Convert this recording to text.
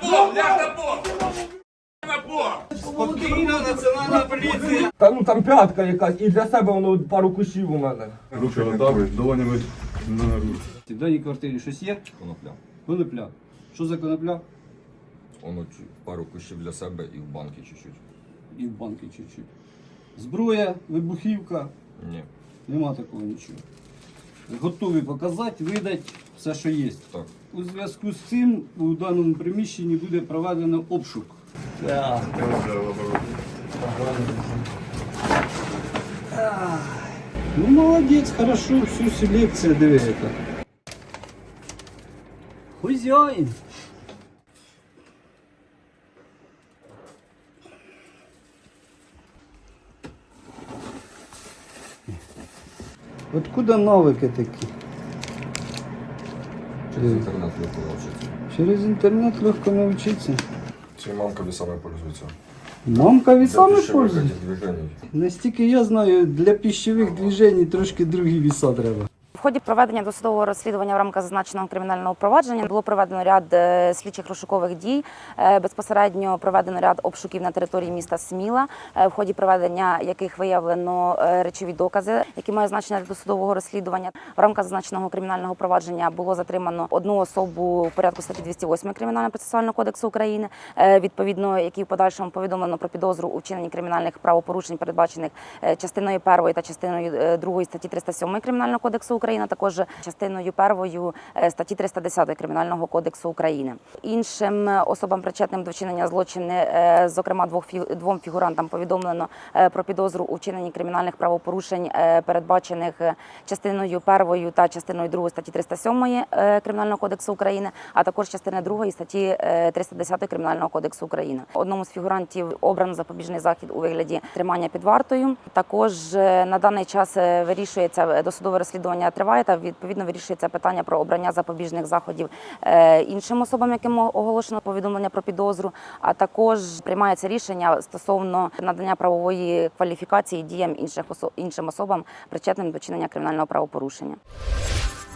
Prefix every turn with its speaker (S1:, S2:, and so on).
S1: пол, ляг на пол! На пол!
S2: Спокійно, національна поліція.
S3: Та ну там п'ятка якась, і для себе воно пару кущів у мене.
S4: Руки отак, долонями на руці.
S2: В даній квартирі щось є?
S5: Конопля.
S2: Конопля. Що за конопля?
S5: Воно пару кущів для себе і в банки чуть-чуть.
S2: І в банки чуть-чуть. Зброя, вибухівка.
S5: Ні.
S2: Нема такого нічого. Готові показати, видати все, що є.
S5: Так.
S2: У зв'язку з цим у даному приміщенні буде проведено обшук. Ну, молодець, хорошо, всю селекцію диви яка. Хозяїн. Откуда навики такі?
S5: Через інтернет легко навчитися.
S2: Через інтернет легко навчитися.
S4: Ці мамка весами пользується.
S2: Мамка весами
S4: Для пищевих
S2: пользується?
S4: этих движений.
S2: Настільки я знаю, для пищових движень трошки другі віса треба.
S6: В ході проведення досудового розслідування в рамках зазначеного кримінального провадження було проведено ряд слідчих розшукових дій. Безпосередньо проведено ряд обшуків на території міста Сміла, в ході проведення яких виявлено речові докази, які мають значення для досудового розслідування. В рамках зазначеного кримінального провадження було затримано одну особу в порядку статті 208 Кримінально-процесуального кодексу України, відповідно, якій в подальшому повідомлено про підозру у вчиненні кримінальних правопорушень, передбачених частиною 1 та частиною 2 статті 307 Кримінального кодексу України, також частиною 1 статті 310 Кримінального кодексу України. Іншим особам, причетним до вчинення злочину, зокрема двом фігурантам, повідомлено про підозру у вчиненні кримінальних правопорушень, передбачених частиною 1 та частиною 2 статті 307 Кримінального кодексу України, а також частини 2 статті 310 Кримінального кодексу України. Одному з фігурантів обрано запобіжний захід у вигляді тримання під вартою. Також на даний час вирішується досудове розслідування триває, та відповідно вирішується питання про обрання запобіжних заходів іншим особам, яким оголошено повідомлення про підозру, а також приймається рішення стосовно надання правової кваліфікації діям іншим особам, причетним до вчинення кримінального правопорушення.